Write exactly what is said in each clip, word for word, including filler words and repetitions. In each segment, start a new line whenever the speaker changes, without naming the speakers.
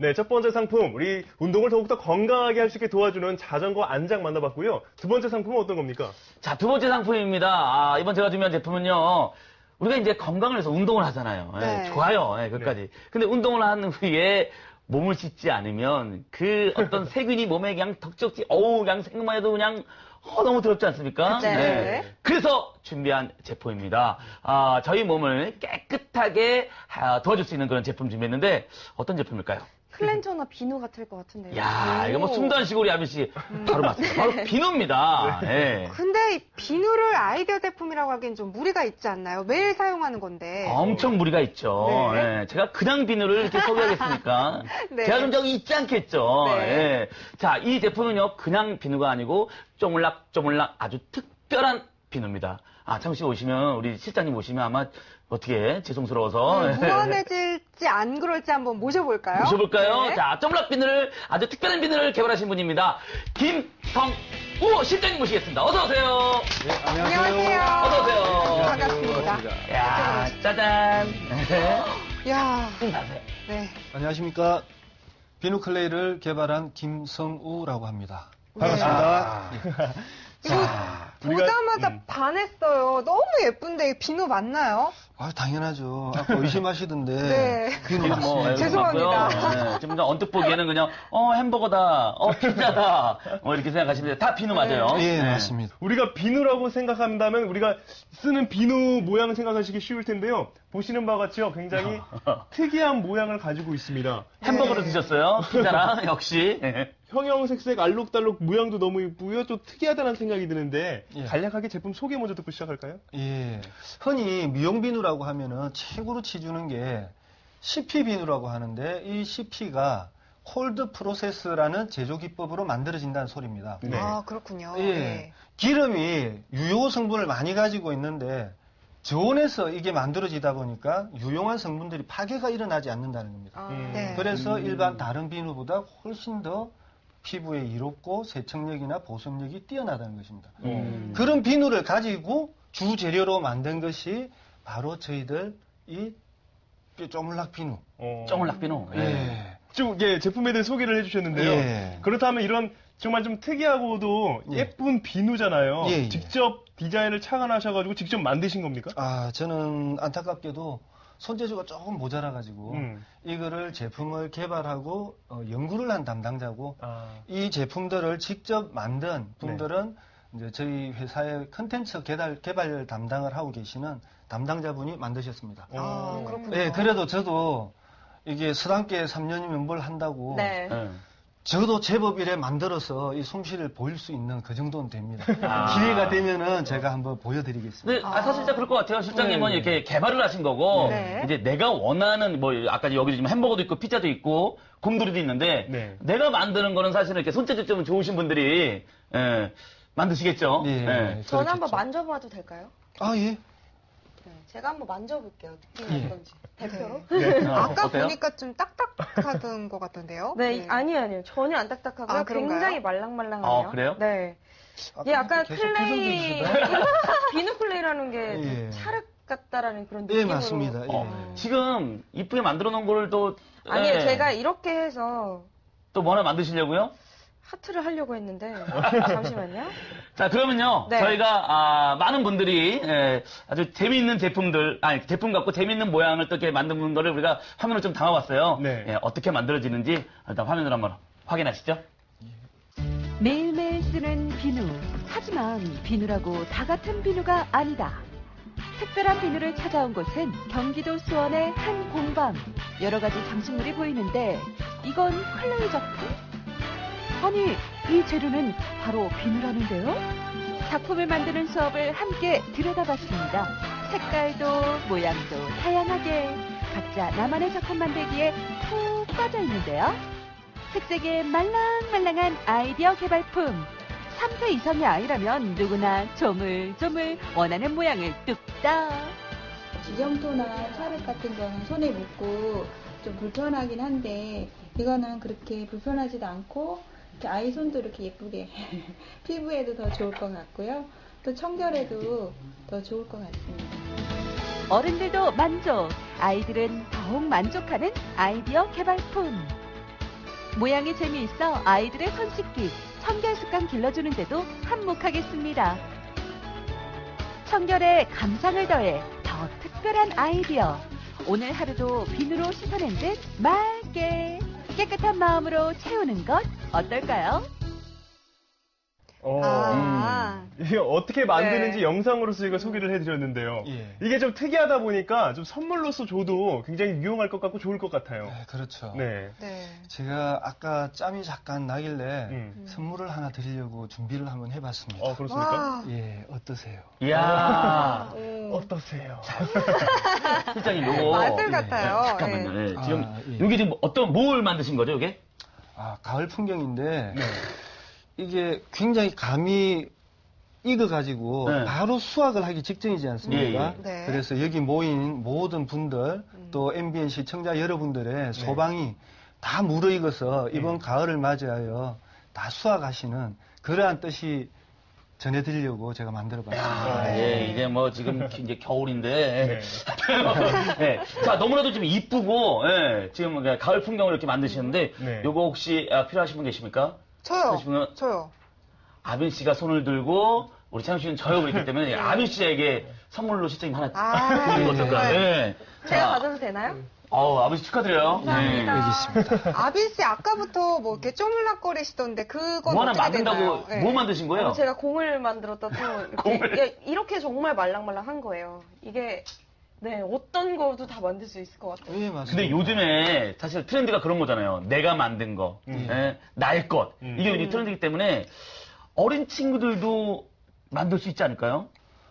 네, 첫 번째 상품, 우리 운동을 더욱더 건강하게 할 수 있게 도와주는 자전거 안장 만나봤고요. 두 번째 상품은 어떤 겁니까?
자, 두 번째 상품입니다. 아, 이번 제가 준비한 제품은요. 우리가 이제 건강을 위해서 운동을 하잖아요.
네.
예, 좋아요. 예, 그것까지.
네.
근데 운동을 한 후에 몸을 씻지 않으면 그 어떤 세균이 몸에 그냥 덕적지, 어우, 그냥 생각만 해도 그냥 어, 너무 더럽지 않습니까?
네.
네. 그래서 준비한 제품입니다. 아, 저희 몸을 깨끗하게 아, 도와줄 수 있는 그런 제품 준비했는데 어떤 제품일까요?
클렌저나 비누 같을 것 같은데요.
야,
오.
이거 뭐 숨도 안 쉬고 우리 아미 씨 바로 맞습니다. 바로 비누입니다. 예.
근데 이 비누를 아이디어 제품이라고 하기엔 좀 무리가 있지 않나요? 매일 사용하는 건데.
엄청 무리가 있죠.
네.
예, 제가 그냥 비누를 이렇게 소개하겠습니까?
네.
제가 그런 적이 있지 않겠죠.
네.
예. 자, 이 제품은요, 그냥 비누가 아니고 쪼물락쪼물락 아주 특별한 비누입니다. 아, 잠시 오시면, 우리 실장님 오시면 아마 어떻게 죄송스러워서.
네, 무한해질지 안 그럴지 한번 모셔볼까요?
모셔볼까요?
네.
자, 쪼물락 비누를, 아주 특별한 비누를 개발하신 분입니다. 김성우 실장님 모시겠습니다. 어서오세요.
네,
안녕하세요.
어서오세요.
반갑습니다.
야, 짜잔.
야,
인사하세요.
네.
안녕하십니까. 비누클레이를 개발한 김성우라고 합니다.
반갑습니다.
이거
우리가-
보자마자
음.
반했어요. 너무 예쁜데 이 비누 맞나요?
아, 당연하죠. 아까 의심하시던데.
네.
비누
지금 뭐,
맞습니다.
죄송합니다.
네, 지금 언뜻 보기에는 그냥, 어, 햄버거다, 어, 피자다, 뭐 이렇게 생각하시는데 다 비누 맞아요.
예,
네.
맞습니다.
우리가 비누라고 생각한다면 우리가 쓰는 비누 모양 생각하시기 쉬울 텐데요. 보시는 바와 같이요. 굉장히 특이한 모양을 가지고 있습니다.
햄버거를
네.
드셨어요? 피자랑, 역시.
형형색색 알록달록 모양도 너무 이쁘고요. 좀 특이하다는 생각이 드는데
예.
간략하게 제품 소개 먼저 듣고 시작할까요?
예. 흔히 미용 비누라고 하면은 최고로 치주는 게 씨피 비누라고 하는데 이 씨피가 콜드 프로세스라는 제조 기법으로 만들어진다는 소리입니다.
네.
아, 그렇군요.
예.
네.
기름이 유효 성분을 많이 가지고 있는데 저온에서 이게 만들어지다 보니까 유용한 성분들이 파괴가 일어나지 않는다는 겁니다.
아,
음.
네.
그래서 일반 다른 비누보다 훨씬 더 피부에 이롭고 세척력이나 보습력이 뛰어나다는 것입니다.
음.
그런 비누를 가지고 주 재료로 만든 것이 바로 저희들 이 쪼물락 비누.
어.
쪼물락 비누. 예.
예.
좀 예, 제품에 대해 소개를 해주셨는데요.
예.
그렇다면 이런 정말 좀 특이하고도
예.
예쁜 비누잖아요.
예, 예.
직접 디자인을 착안하셔가지고 직접 만드신 겁니까?
아, 저는 안타깝게도 손재주가 조금 모자라가지고
음.
이거를 제품을 개발하고 어, 연구를 한 담당자고
아.
이 제품들을 직접 만든 분들은 이제 저희 회사의 컨텐츠 개발, 개발 담당을 하고 계시는 담당자분이 만드셨습니다.
아,
오.
그렇군요.
예, 그래도 저도 이게 서당계 삼 년이면 뭘 한다고
네.
예.
저도 제법 이래 만들어서 이 솜씨를 보일 수 있는 그 정도는 됩니다.
아.
기회가 되면은 제가 한번 보여드리겠습니다.
근데 아, 사실 진짜 그럴 것 같아요. 실장님은
네.
이렇게 개발을 하신 거고,
네.
이제 내가 원하는, 뭐, 아까 여기 지금 햄버거도 있고, 피자도 있고, 곰돌이도 있는데,
네.
내가 만드는 거는 사실은 이렇게 손재주 좀 좋으신 분들이, 예, 만드시겠죠?
예.
예.
저는
그렇겠죠.
한번 만져봐도 될까요?
아, 예.
네, 제가 한번 만져볼게요. 느낌이
예.
어떤지. 대표로?
네.
어,
아까
어때요?
보니까 좀 딱딱하던 것 같던데요?
네, 아니요, 아니요. 전혀 안 딱딱하고요.
아, 그런가요?
굉장히 말랑말랑하네요.
아, 그래요?
네.
아까
예, 아까
계속
클레이,
표정 지으시더라고요.
비누 클레이라는 게
예.
찰흙 같다라는 그런
예,
느낌으로.
맞습니다. 예.
어, 지금 이쁘게 만들어 놓은 거를 또,
아니요,
예,
제가 이렇게 해서
또 뭐 하나 만드시려고요?
하트를 하려고 했는데 잠시만요.
자, 그러면요.
네.
저희가, 아, 많은 분들이, 예, 아주 재미있는 제품들, 아니, 제품 갖고 재미있는 모양을 또 이렇게 만든 거를 우리가 화면을 좀 담아봤어요.
네.
예, 어떻게 만들어지는지 일단 화면으로 한번 확인하시죠.
매일매일 쓰는 비누. 하지만 비누라고 다 같은 비누가 아니다. 특별한 비누를 찾아온 곳은 경기도 수원의 한 공방. 여러 가지 장식물이 보이는데 이건 클레이 작품? 아니, 이 재료는 바로 비누라는데요? 작품을 만드는 수업을 함께 들여다봤습니다. 색깔도 모양도 다양하게 각자 나만의 작품 만들기에 푹 빠져 있는데요. 특색의 말랑말랑한 아이디어 개발품. 삼 세 이상의 아이라면 누구나 조물조물 원하는 모양을 뚝딱.
지점토나 찰흙 같은 거는 손에 묻고 좀 불편하긴 한데 이거는 그렇게 불편하지도 않고 이렇게 아이 손도 이렇게 예쁘게 피부에도 더 좋을 것 같고요. 또 청결에도 더 좋을 것 같습니다.
어른들도 만족, 아이들은 더욱 만족하는 아이디어 개발품. 모양이 재미있어 아이들의 손 씻기, 청결 습관 길러주는데도 한몫하겠습니다. 청결에 감상을 더해 더 특별한 아이디어. 오늘 하루도 비누로 씻어낸 듯 맑게 깨끗한 마음으로 채우는 것 어떨까요?
어,
아,
이게 어떻게 만드는지
네.
영상으로서 저희가 소개를 해드렸는데요.
예.
이게 좀 특이하다 보니까 좀 선물로서 줘도 굉장히 유용할 것 같고 좋을 것 같아요.
네, 그렇죠.
네.
네.
제가 아까 짬이 잠깐 나길래
음.
선물을 하나 드리려고 준비를 한번 해봤습니다.
어, 그렇습니까?
와,
예, 어떠세요?
이야.
음,
어떠세요?
실장님, 요거.
마술
예.
같아요.
잠깐만요.
네.
예, 지금,
아, 예.
여기 지금 어떤, 뭘 만드신 거죠, 이게?
아, 가을 풍경인데
네.
이게 굉장히 감이 익어가지고
네.
바로 수확을 하기 직전이지 않습니까?
예,
예. 네.
그래서 여기 모인 모든 분들 또 엠비엔 시청자 여러분들의 소방이 다 무르익어서 이번 가을을 맞이하여 다 수확하시는 그러한 뜻이 전해드리려고 제가 만들어봤습니다.
아, 예, 이제 뭐 지금 이제 겨울인데.
네.
네. 자, 너무나도 좀 이쁘고, 예, 지금 가을 풍경을 이렇게 만드시는데,
네.
요거 혹시 아, 필요하신 분 계십니까?
저요.
그러시면
저요.
아빈 씨가 손을 들고, 우리 창 씨는 저하고 있기 때문에, 아빈 씨에게 선물로 실장님 하나
아,
드리는 거 어떨까요?
네.
예.
제가
자,
받아도 되나요?
어우, 아빈 씨 축하드려요.
감사합니다.
여기 있습니다.
아빈 씨 아까부터 뭐 이렇게 쪼물락거리시던데 그건
뭐 하나
어떻게
만든다고,
되나요? 네.
뭐 만드신 거예요?
아, 제가 공을 만들었다 또 이렇게,
공을?
예, 이렇게 정말 말랑말랑한 거예요. 이게 네 어떤 거도 다 만들 수 있을 것 같아요.
예, 맞습니다.
근데 요즘에 사실 트렌드가 그런 거잖아요. 내가 만든 거,
음.
예, 날 것.
음.
이게 요즘 트렌드이기 때문에 어린 친구들도 만들 수 있지 않을까요?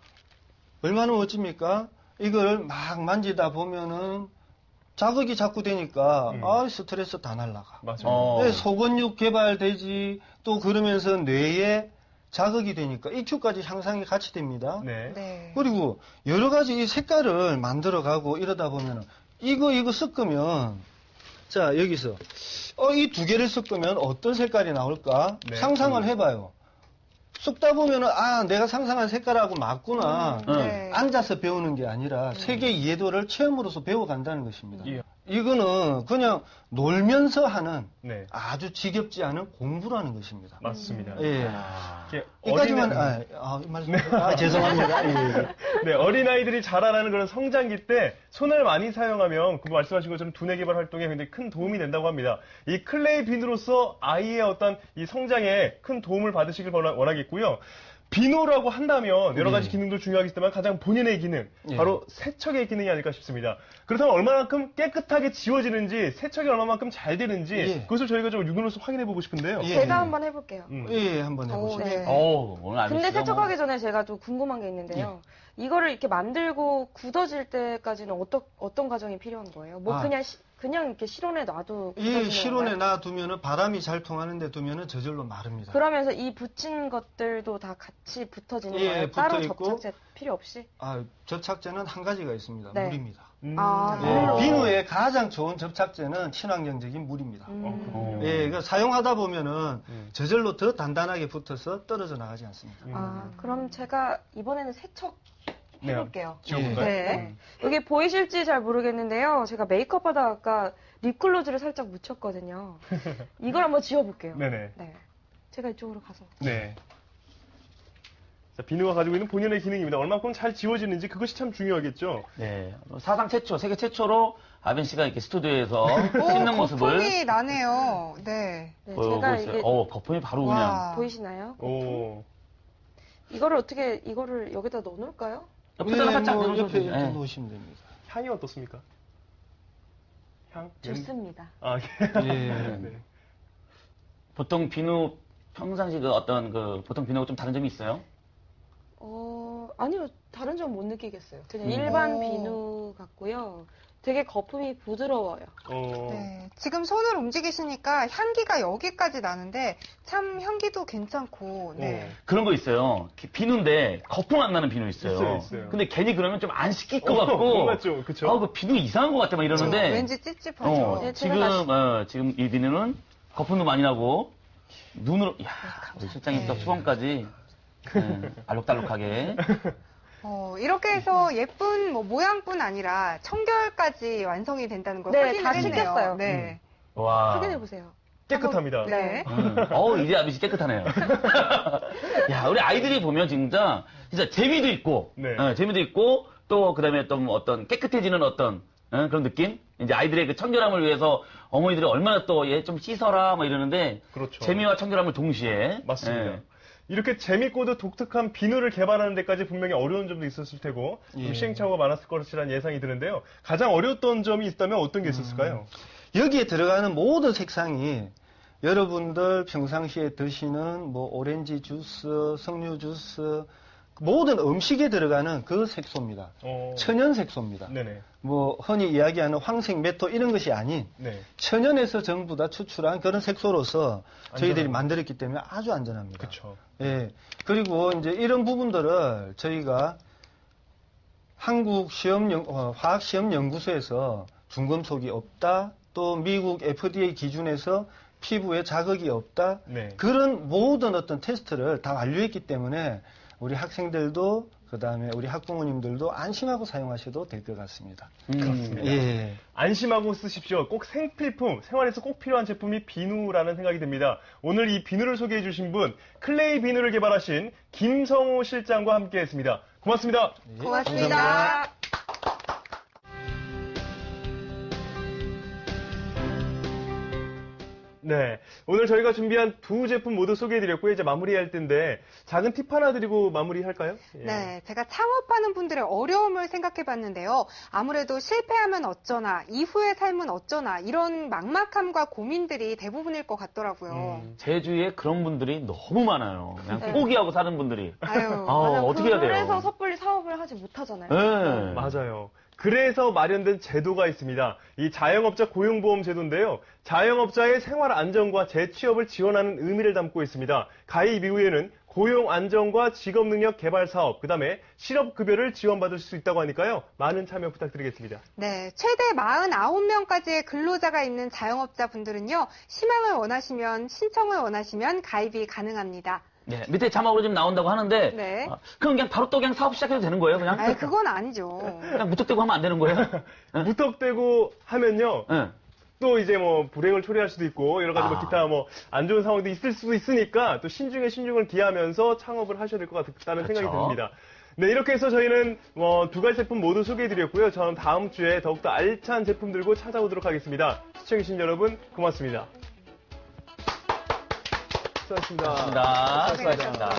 얼마나 멋집니까? 이걸 막 만지다 보면은 자극이 자꾸 되니까
음.
아 스트레스 다 날라가.
맞아요.
어.
네, 소근육 개발되지 또 그러면서 뇌에 자극이 되니까 이큐까지 향상이 같이 됩니다.
네.
네.
그리고 여러 가지 이 색깔을 만들어가고 이러다 보면은 이거 이거 섞으면 자 여기서 어, 이 두 개를 섞으면 어떤 색깔이 나올까
네.
상상을
음.
해봐요. 섞다 보면은 아 내가 상상한 색깔하고 맞구나.
음.
네.
앉아서 배우는 게 아니라 세계 이해도를 체험으로서 배워간다는 것입니다.
예.
이거는 그냥 놀면서 하는
네.
아주 지겹지 않은 공부라는 것입니다.
맞습니다.
예.
이렇게
이까지만
어린애-
아, 아, 이 말씀 아, 죄송합니다. 예, 예.
네, 어린아이들이 자라나는 그런 성장기 때 손을 많이 사용하면 그 말씀하신 것처럼 두뇌 개발 활동에 굉장히 큰 도움이 된다고 합니다. 이 클레이 비누로서 아이의 어떤 이 성장에 큰 도움을 받으시길 원하- 원하겠고요. 비누라고 한다면 여러 가지
예.
기능도 중요하겠지만 가장 본인의 기능,
예.
바로 세척의 기능이 아닐까 싶습니다. 그렇다면 얼마만큼 깨끗하게 지워지는지, 세척이 얼마만큼 잘 되는지
예.
그것을 저희가 좀 눈으로서 확인해 보고 싶은데요.
예.
제가 한번 해볼게요.
음.
예, 한번
오,
해보시죠.
네.
어우, 오늘 아빈
근데
씨가
세척하기
뭐-
전에 제가 좀 궁금한 게 있는데요. 이거를 이렇게 만들고 굳어질 때까지는 어떤 어떤 과정이 필요한 거예요? 뭐
아.
그냥 시- 그냥 이렇게 실온에 놔도
이
굳어지는
실온에
건가요?
놔두면은 바람이 잘 통하는데 두면은 저절로 마릅니다.
그러면서 이 붙인 것들도 다 같이 붙어지는
예,
거예요? 따로
붙어 있고.
접착제 필요 없이?
아, 접착제는 한 가지가 있습니다.
네.
물입니다.
음.
아,
예,
물로.
비누의 가장 좋은 접착제는 친환경적인 물입니다.
음.
어.
예, 그 사용하다 보면은
음.
저절로 더 단단하게 붙어서 떨어져 나가지 않습니다.
아, 그럼 제가 이번에는 세척
네,
해볼게요.
지워볼까요?
네. 여기 보이실지 잘 모르겠는데요. 제가 메이크업 하다가 아까 립글로즈를 살짝 묻혔거든요. 이걸 한번 지워볼게요.
네네.
네. 제가 이쪽으로 가서.
네. 자, 비누가 가지고 있는 본연의 기능입니다. 얼마큼 잘 지워지는지 그것이 참 중요하겠죠.
네. 사상 최초, 세계 최초로 아빈 씨가 이렇게 스튜디오에서
오,
씻는 모습을
거품이 나네요. 네.
네,
보여보고
제가
있어요.
이게
어, 거품이 바로 그냥.
와.
보이시나요?
오.
이거를 어떻게 이거를 여기다 넣어놓을까요?
옆에다가 살짝
뭐
넣어줘도
옆에
돼요.
이렇게
예.
놓으시면 됩니다.
향이 어떻습니까? 향?
좋습니다.
아,
예.
네.
보통 비누 평상시 그 어떤 그 보통 비누하고 좀 다른 점이 있어요?
어, 아니요. 다른 점 못 느끼겠어요. 그냥
음.
일반
오.
비누 같고요. 되게 거품이 부드러워요.
어.
네. 지금 손을 움직이시니까 향기가 여기까지 나는데 참 향기도 괜찮고. 네.
그런 거 있어요. 기- 비누인데 거품 안 나는 비누 있어요.
있어요, 있어요.
근데 괜히 그러면 좀 안 씻길 것
어,
같고.
그런 것 같죠? 그쵸?
아, 그 비누 이상한 것 같아 막 이러는데.
왠지 찝찝하죠.
어,
네,
지금
제가 다시-
어, 지금 이 비누는 거품도 많이 나고 눈으로 야 우리 실장님부터
네.
수건까지 네, 알록달록하게.
어, 이렇게 해서 예쁜 뭐 모양뿐 아니라 청결까지 완성이 된다는 걸
네,
확인을
다
했네요.
시켰어요.
네.
와.
확인해 보세요.
깨끗합니다.
네.
음, 어우, 이제 아비씨 깨끗하네요. 야, 우리 아이들이 보면 진짜, 진짜 재미도 있고,
네.
어, 재미도 있고, 또, 그 다음에 또 어떤 깨끗해지는 어떤, 어, 그런 느낌? 이제 아이들의 그 청결함을 위해서 어머니들이 얼마나 또 얘 좀 씻어라, 뭐 이러는데,
그렇죠.
재미와 청결함을 동시에.
맞습니다.
예.
이렇게 재밌고도 독특한 비누를 개발하는 데까지 분명히 어려운 점도 있었을 테고 좀
예.
시행착오가 많았을 것이라는 예상이 드는데요. 가장 어려웠던 점이 있다면 어떤 게 있었을까요?
여기에 들어가는 모든 색상이 여러분들 평상시에 드시는 뭐 오렌지 주스, 석류 주스, 모든 음식에 들어가는 그 색소입니다.
어...
천연 색소입니다.
네네.
뭐 흔히 이야기하는 황색 메토 이런 것이 아닌
네.
천연에서 전부 다 추출한 그런 색소로서 저희들이
안전합니다.
만들었기 때문에 아주 안전합니다.
그렇죠.
예. 그리고 이제 이런 부분들을 저희가 한국 시험 연, 어, 화학 시험 연구소에서 중금속이 없다, 또 미국 에프디에이 기준에서 피부에 자극이 없다,
네.
그런 모든 어떤 테스트를 다 완료했기 때문에 우리 학생들도 그 다음에 우리 학부모님들도 안심하고 사용하셔도 될 것 같습니다.
음.
예.
안심하고 쓰십시오. 꼭 생필품, 생활에서 꼭 필요한 제품이 비누라는 생각이 듭니다. 오늘 이 비누를 소개해 주신 분, 클레이 비누를 개발하신 김성호 실장과 함께 했습니다. 고맙습니다.
예,
고맙습니다.
감사합니다.
네. 오늘 저희가 준비한 두 제품 모두 소개해드렸고요. 이제 마무리할 텐데, 작은 팁 하나 드리고 마무리할까요? 예.
네, 제가 창업하는 분들의 어려움을 생각해 봤는데요. 아무래도 실패하면 어쩌나, 이후의 삶은 어쩌나, 이런 막막함과 고민들이 대부분일 것 같더라고요.
음.
제 주위에 그런 분들이 너무 많아요. 그냥
네.
포기하고 사는 분들이.
아유,
아,
맞아,
어떻게 해야 돼요?
그래서 섣불리 사업을 하지 못하잖아요.
네.
맞아요. 그래서 마련된 제도가 있습니다. 이 자영업자 고용보험 제도인데요. 자영업자의 생활 안정과 재취업을 지원하는 의미를 담고 있습니다. 가입 이후에는 고용 안정과 직업 능력 개발 사업, 그 다음에 실업급여를 지원받을 수 있다고 하니까요. 많은 참여 부탁드리겠습니다.
네, 최대 사십구 명까지의 근로자가 있는 자영업자 분들은요, 희망을 원하시면, 신청을 원하시면 가입이 가능합니다.
네, 밑에 자막으로 지금 나온다고 하는데,
네.
아, 그럼 그냥 바로 또 그냥 사업 시작해도 되는 거예요, 그냥?
아니, 그건 아니죠.
그냥 무턱대고 하면 안 되는 거예요? 네?
무턱대고 하면요.
네.
또 이제 뭐 불행을 초래할 수도 있고 여러 가지 뭐
아.
기타 뭐 안 좋은 상황도 있을 수도 있으니까 또 신중에 신중을 기하면서 창업을 하셔야 될 것 같다는
그렇죠.
생각이 듭니다. 네, 이렇게 해서 저희는 뭐 두 가지 제품 모두 소개해드렸고요. 저는 다음 주에 더욱더 알찬 제품 들고 찾아오도록 하겠습니다. 시청해주신 여러분 고맙습니다. 수고하셨습니다.
고맙습니다.
수고하셨습니다.
수고하셨습니다.